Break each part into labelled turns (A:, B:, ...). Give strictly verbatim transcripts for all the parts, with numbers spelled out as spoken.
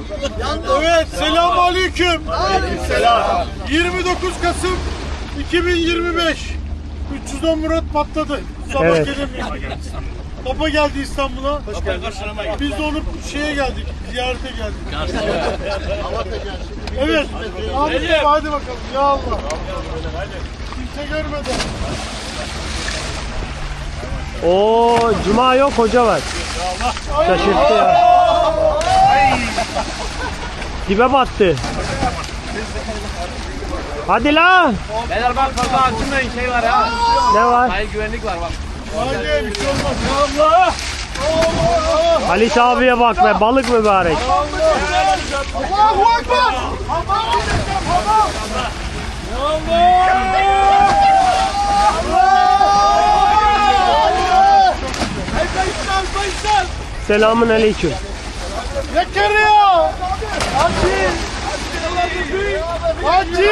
A: Evet, selamünaleyküm. Aleykümselam. yirmi dokuz Kasım iki bin yirmi beş. üç yüz on Murat patladı. Sabah
B: Evet.
A: gelemiyor. Papa geldi İstanbul'a. Biz de onu şeye geldik, ziyarete geldik. Evet. Hadi, hadi bakalım. Ya Allah. Kimse görmedi.
B: Oo, cuma yok, hoca var. Şaşırttı ya. Dibe battı. Hadi la.
C: Beyler bak fazla açılmayın, şey var ha.
B: Ne var?
C: Hayır, güvenlik var bak.
A: Hadi bir şey olmaz. Ya Allah.
B: Halit abiye bak be, balık mübarek.
A: Allahu Ekber.
B: Selamun aleyküm.
A: Zekeriya! Hacı! Hacı!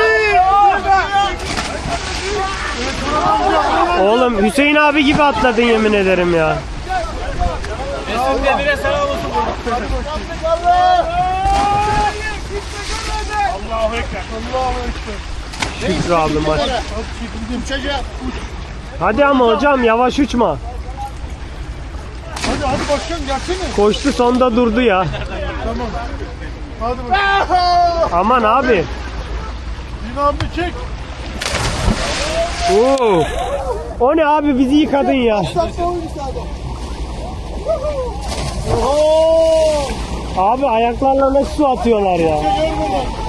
B: Oğlum Hüseyin abi gibi atladın yemin ederim ya.
C: Mesut Demir'e selam olsun.
A: Allahu Ekber. Allahu Ekber.
B: Şükrü abim var.
A: Uçacak.
B: Hadi ama hocam yavaş uçma.
A: Hadi hadi başkan gelsene.
B: Koştu sonda durdu ya.
A: Tamam. Hadi bakalım.
B: Aman abi.
A: Yine abi çek.
B: Oo. O ne abi, bizi yıkadın ya.
A: Oho!
B: Abi ayaklarla nasıl su atıyorlar ya.
A: Görmeden.